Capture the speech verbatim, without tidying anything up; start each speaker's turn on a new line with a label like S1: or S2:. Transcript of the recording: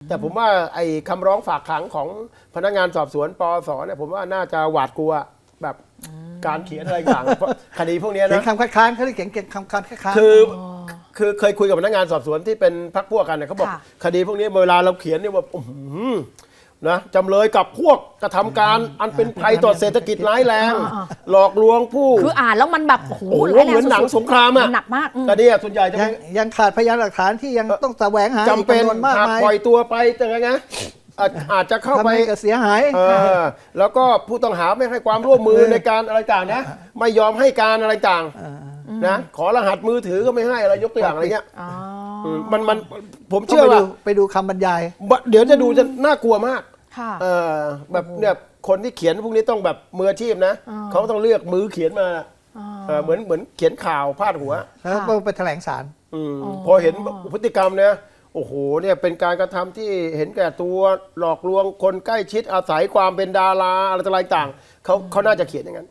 S1: แต่ผมว่าไอ้คำร้องฝากขังของพนักงานสอบสวนปอสเนี่ยผมว่าน่าจะหวาดกลัวแบบการเขียนอะไรต่างเพราะคดีพวกนี้
S2: เขีย
S1: นะ
S2: นคำคัดค้านเขาเรียกเขียนคำคัดค้าน
S1: คือคือเคยคุยกับพนักงานสอบสวนที่เป็นพรรคพวกกันเนี่ยเขาบอกคดีพวกนี้เวลาเราเขียนเนี่ยว่าอื้อหือนะจำเลยกับพวกกระทำการอันเป็นภัยต่อเศรษฐกิจร้ายแรง หลอกลวงผู้
S3: คืออ่านแล้วมันแบบโอ้โห
S1: โอ้โห
S3: ร้ายแรง
S1: เหมือนหนัง
S3: สุดๆ
S1: สงครามอะ
S3: นหนักมากอืม
S1: คดีส่วนใหญ่จะ
S2: ยังยังขาดพยานหลักฐานที่ยังต้องแสวงหา
S1: จำเป็น
S2: อีกจำนวนมาก
S1: หาก
S2: มาย
S1: ปล่อยตัวไปจะไงนะอาจอาจจะเข้า
S2: ทำ
S1: ไป
S2: ให้เกิดเสียหาย
S1: เออแล้วก็ผู้ต้องหาไม่ให้ความร่วมมือในการอะไรต่างนะไม่ยอมให้การอะไรต่างนะขอรหัสมือถือก็ไม่ให้อะไรยกตัวอย่างอะไรเงี้ย
S3: อ๋อ
S1: มมันมันผม
S2: ต้อง
S1: เชื่อ
S2: ไป
S1: ว่า
S2: ดูไปดูคำบรรยาย
S1: เดี๋ยวจะดูจะน่ากลัวมาก
S3: ค่ะ
S1: เออแบบเนี่ยคนที่เขียนพวกนี้ต้องแบบมืออาชีพนะ
S3: อ่า
S1: เขาต้องเลือกมือเขียนมา
S3: อ๋อ
S1: เออเหมือนเหมือนเขียนข่าวพาดหัว
S2: แล้วก็ไปแถลงศาล
S1: อืม
S3: อ๋อ
S1: พอเห็นพฤติกรรมเนี่ยโอ้โหเนี่ยเป็นการกระทำที่เห็นแก่ตัวหลอกลวงคนใกล้ชิดอาศัยความเป็นดาราอะไรต่างๆเขาเขาน่าจะเขียนอย่างนั้น